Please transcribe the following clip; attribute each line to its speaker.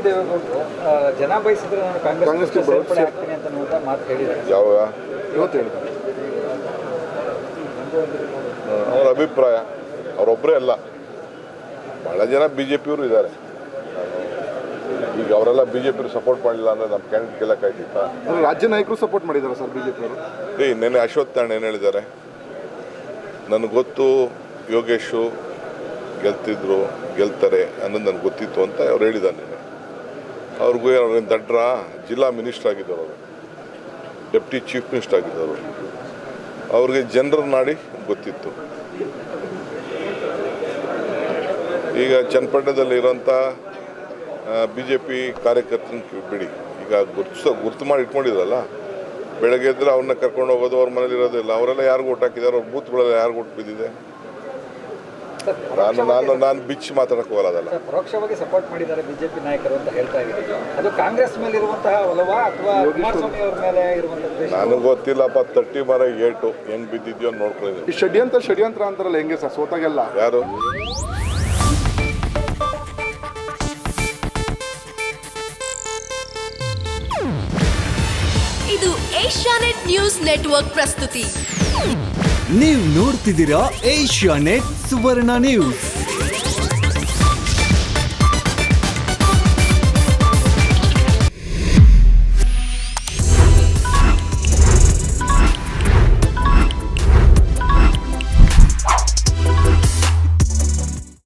Speaker 1: ದೇವೇಗೌಡರು ಜನ ಬಯಸಿದ್ರೆ ನಾನು ಕಾಂಗ್ರೆಸ್ಗೆ ಸೇರ್ಪಡೆ ಆಗ್ತೀನಿ ಅಂತ ಮಾತು ಹೇಳಿದ್ದಾರೆ.
Speaker 2: ಯಾವಾಗ
Speaker 3: ಇವತ್ತು ಹೇಳಿದ್ದಾರೆ.
Speaker 2: ಅವರ ಅಭಿಪ್ರಾಯ, ಅವರೊಬ್ಬರೇ ಅಲ್ಲ, ಭಾಳ ಜನ BJP-ಯವರು ಇದ್ದಾರೆ. ಈಗ ಅವರೆಲ್ಲ BJP ಸಪೋರ್ಟ್ ಮಾಡಲಿಲ್ಲ ಅಂದರೆ ನಮ್ಮ ಕ್ಯಾಂಡಿಡೇಟ್ ಗೆಲ್ಲಕ್ಕಾಯ್ತಿತ್ತಾ?
Speaker 3: ರಾಜ್ಯ ನಾಯಕರು ಸಪೋರ್ಟ್ ಮಾಡಿದ್ದಾರೆ ಸರ್ BJP-ಅವರು.
Speaker 2: ನೆನ್ನೆ ಅಶ್ವತ್ಥ ನಾರಾಯಣ ಏನು ಹೇಳಿದ್ದಾರೆ, ನನಗೆ ಗೊತ್ತು ಯೋಗೇಶು ಗೆಲ್ತಾರೆ ಅನ್ನೋದು ನನಗೆ ಗೊತ್ತಿತ್ತು ಅಂತ ಅವ್ರು ಹೇಳಿದ್ದಾರೆ. ನೆನ್ನೆ ಅವ್ರಿಗೂ ಅವ್ರೇನು ದಡ್ರ, ಜಿಲ್ಲಾ ಮಿನಿಸ್ಟರ್ ಆಗಿದ್ದವರು, ಅವರು ಡೆಪ್ಟಿ ಚೀಫ್ ಮಿನಿಸ್ಟರ್ ಆಗಿದ್ದವರು, ಅವ್ರಿಗೆ ಜನರ ನಾಡಿ ಗೊತ್ತಿತ್ತು. ಈಗ ಚನ್ನಪಟ್ಟಣದಲ್ಲಿ ಇರೋಂಥ BJP ಕಾರ್ಯಕರ್ತನ ಬಿಡಿ, ಈಗ ಗುರ್ತು ಮಾಡಿ ಇಟ್ಕೊಂಡಿದ್ರಲ್ಲ, ಬೆಳಗ್ಗೆ ಇದ್ರೆ ಅವ್ರನ್ನ ಕರ್ಕೊಂಡು ಹೋಗೋದು, ಅವ್ರ ಮನೇಲಿ ಇರೋದಿಲ್ಲ, ಅವರೆಲ್ಲ ಯಾರಿಗೂ ಓಟ್ ಹಾಕಿದ್ದಾರೆ, ಅವ್ರ ಬೂತ್ಗಳೆಲ್ಲ ಯಾರಿಗೂ ಓಟ್ ಬಿದ್ದಿದೆ. ನಾನು ಬಿಚ್ಚಿ ಮಾತಾಡಕ್ಕೆ ಹೋಗಲ್ಲ. ಅದಲ್ಲ
Speaker 1: ಪರೋಕ್ಷವಾಗಿ ಸಪೋರ್ಟ್ ಮಾಡಿದ್ದಾರೆ BJP ನಾಯಕರು ಅಂತ ಹೇಳ್ತಾ ಇದ್ದೀವಿ. ಅದು ಕಾಂಗ್ರೆಸ್ ಮೇಲೆ ಇರುವಂತಹ ಒಲವಾ ಅಥವಾ ಕುಮಾರಸ್ವಾಮಿ ಅವ್ರ ಮೇಲೆ ಇರುವಂತಹ?
Speaker 2: ನನಗೆ ಗೊತ್ತಿಲ್ಲಪ್ಪ, ತಟ್ಟಿ ಮರ ಏಟು ಹೆಂಗ್ ಬಿದ್ದಿದ್ಯೋ ಅಂತ ನೋಡ್ಕೊಂಡಿದ್ದೀನಿ.
Speaker 3: ಷಡ್ಯಂತ್ರ ಅಂತಾರಲ್ಲ, ಹೆಂಗೆ ಸರ್ ಸೋತಾಗೆಲ್ಲ?
Speaker 2: ಯಾರು
Speaker 4: ಇದು ಏಷ್ಯಾನೆಟ್ ನ್ಯೂಸ್ ನೆಟ್ವರ್ಕ್ ಪ್ರಸ್ತುತಿ.
Speaker 5: ನೀವು ನೋಡ್ತಿದ್ದೀರಾ ಏಷ್ಯಾನೆಟ್ ಸುವರ್ಣ ನ್ಯೂಸ್.